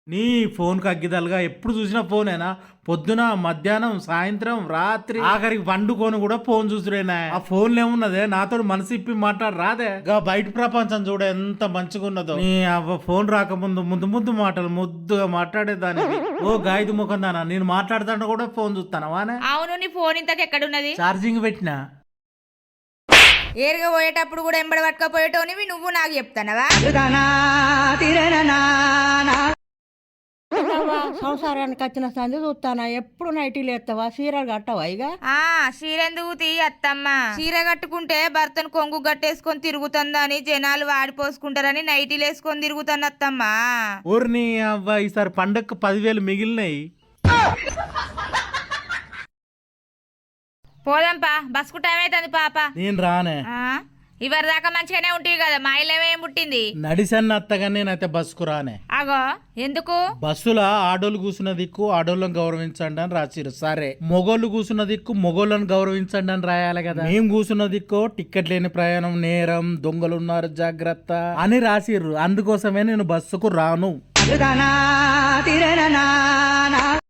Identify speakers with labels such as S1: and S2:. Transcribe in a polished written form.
S1: నీ ఫోన్ అగ్గిదలుగా ఎప్పుడు చూసినా ఫోనేనా? పొద్దున, మధ్యాహ్నం, సాయంత్రం, రాత్రి, ఆఖరికి వండుకొని కూడా ఫోన్ చూసుడేనా? ఆ ఫోన్లు ఏమున్నదే, నాతో మనసు ఇప్పి మాట్లాడు రాదే? గా బయట ప్రపంచం చూడ ఎంత మంచిగా ఉన్నదో. నీ అవ్వ ఫోన్ రాకముందు ముద్దు ముద్దు మాటలు ముద్దుగా మాట్లాడేదాన్ని. ఓ గాయదు ముఖం దానా, నేను మాట్లాడుతాను కూడా ఫోన్ చూస్తానవానే?
S2: అవును, నీ ఫోన్ ఇంతకు ఎక్కడున్నది?
S1: ఛార్జింగ్ పెట్టినా.
S2: ఏరుగా పోయేటప్పుడు కూడా ఎంబడి పట్టుకపోయేటోనివి నువ్వు నాకు చెప్తానవా?
S3: సంసారానికి వచ్చిన సంది చూస్తానా? ఎప్పుడు నైటీలు ఎత్తావా? చీరలు కట్టవా? ఇక
S2: చీరెందుకు తీ అత్తమ్మ, చీర కట్టుకుంటే భర్తను కొంగు గట్టేసుకొని తిరుగుతుందని జనాలు వాడిపోసుకుంటారని నైటీలు వేసుకొని తిరుగుతాను అత్తమ్మ.
S1: ఊరిని అవ్వ ఈసారి పండగకు 10,000 మిగిలినాయి.
S2: పోదాంపా, బస్కు టైం అవుతుంది పాప.
S1: నేను రానే.
S2: ఇవరి దాకా మంచిగానే ఉంటుంది కదా, మా ఇల్లు ఏం పుట్టింది?
S1: నడిసన్న అత్తగా నేనైతే బస్సుకు రానే.
S2: అగో ఎందుకు?
S1: బస్సుల ఆడోళ్ళు కూర్చున్న దిక్కు ఆడోళ్ళని గౌరవించండి అని రాసిరు. సరే, మొగోళ్ళు కూర్చున్న దిక్కు మొగోళ్ళని గౌరవించండి అని రాయాలి కదా. మేము కూర్చున్న దిక్కు టికెట్ లేని ప్రయాణం నేరం, దొంగలున్నారు జాగ్రత్త అని రాసిర్రు. అందుకోసమే నేను బస్సుకు రాను.